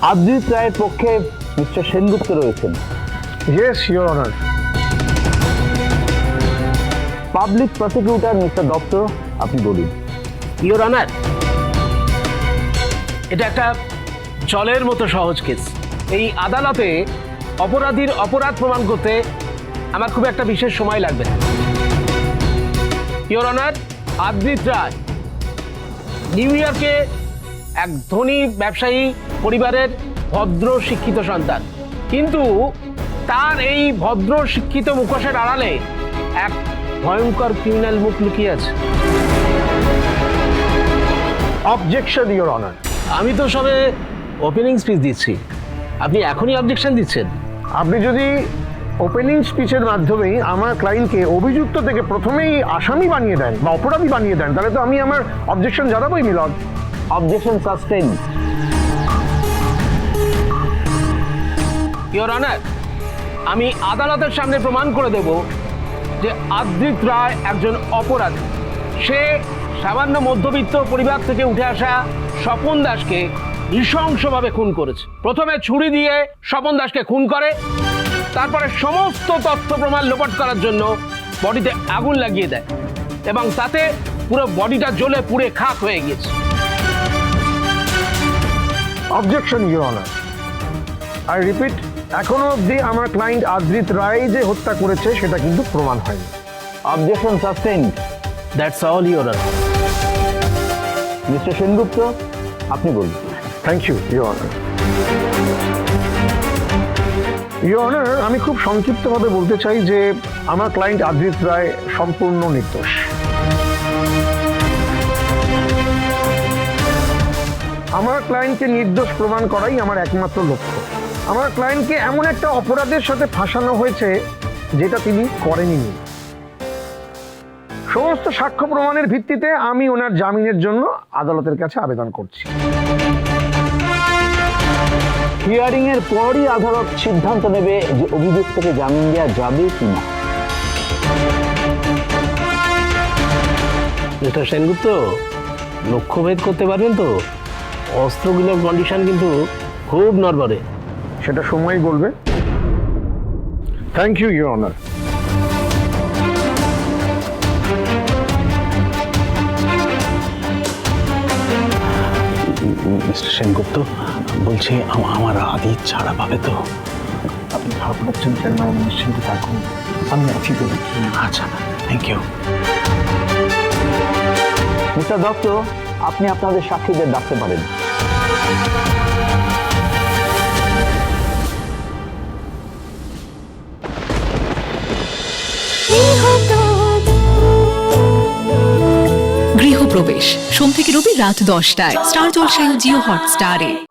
আদ্রিত রায়ের পক্ষে মিস্টার সেনগুপ্ত রয়েছেন। Yes your honour. Public prosecutor mister Dutta, আপনি বলুন। ইওর অনার, এটা একটা জলের মতো সহজ কেস। এই আদালতে অপরাধীর অপরাধ প্রমাণ করতে আমার খুব একটা বিশেষ সময় লাগবে না। ইওর অনার, আদ্রিত রায় নিউ ইয়র্কে এক ধনী ব্যবসায়ী পরিবারের ভদ্র শিক্ষিত সন্তান, কিন্তু তার এই ভদ্র শিক্ষিত মুখোশের আড়ালে এক ভয়ঙ্কর ক্রিমিনাল মুখ লুকিয়ে আছে। Objection your honour. আমি তো সবে ওপেনিং স্পিচ দিচ্ছি, আপনি এখনই অবজেকশন দিচ্ছেন? আপনি যদি ওপেনিং স্পিচের মাধ্যমেই আমার ক্লায়েন্টকে অভিযুক্ত থেকে প্রথমেই আসামি বানিয়ে দেন বা অপরাধী বানিয়ে দেন, তাহলে তো আমি আমার অবজেকশন জানাবোই Milan. Objection sustain. Your honour, আমি আদালতের সামনে প্রমাণ করে দেব যে আদ্রিত রায় একজন অপরাধী। সে সামান্য মধ্যবিত্ত পরিবার থেকে উঠে আসা স্বপন দাসকে নৃশংসভাবে খুন করেছে। প্রথমে ছুরি দিয়ে স্বপন দাসকে খুন করে, তারপরে সমস্ত তথ্য প্রমাণ লোপাট করার জন্য বডিতে আগুন লাগিয়ে দেয় এবং তাতে পুরো বডিটা জ্বলে পুড়ে খাক হয়ে গিয়েছে। Objection your honour. I repeat, এখনো অবধি আমার ক্লায়েন্ট আদ্রিত রায় যে হত্যা করেছে সেটা কিন্তু প্রমাণ হয়নি। Objection sustain. That's all your honour. Mister Sengupta, আপনি বলুন। Thank you your honour. Your honour, আমি খুব সংক্ষিপ্তভাবে বলতে চাই যে আমার ক্লায়েন্ট আদ্রিত রায় সম্পূর্ণ নির্দোষ। আমার ক্লায়েন্টকে নির্দোষ প্রমাণ করাই আমার একমাত্র লক্ষ্য। আমার ক্লায়েন্টকে এমন একটা অপরাধের সাথে ফাঁসানো হয়েছে যেটা তিনি করেননি। সমস্ত সাক্ষ্য প্রমাণের ভিত্তিতে আমি ওনার জামিনের জন্য আদালতের কাছে আবেদন করছি। হিয়ারিং এর পরই আদালত সিদ্ধান্ত নেবে যে অভিযুক্তকে জামিন দেওয়া যাবে কিনা। মিস্টার সেনগুপ্ত, লক্ষ্যভেদ করতে পারবেন তো? অস্ত্রগুলোর কন্ডিশন কিন্তু খুব নড়বড়ে। সেটা সময়ই বলবে। Thank you your honour. Mister Sengupta, বলছি আমার আদিত ছাড়া পাবে তো? আপনি ভাবছেন কেন? নিশ্চিন্তে থাকুন, আমি আছি তো। আচ্ছা, থ্যাংক ইউ। মিস্টার দত্ত, আপনি আপনাদের সাক্ষীদের ডাকতে পারেন। গৃহপ্রবেশ সোম থেকে রবি রাত 10টায় স্টার জলসায় ও জিও হটস্টারে।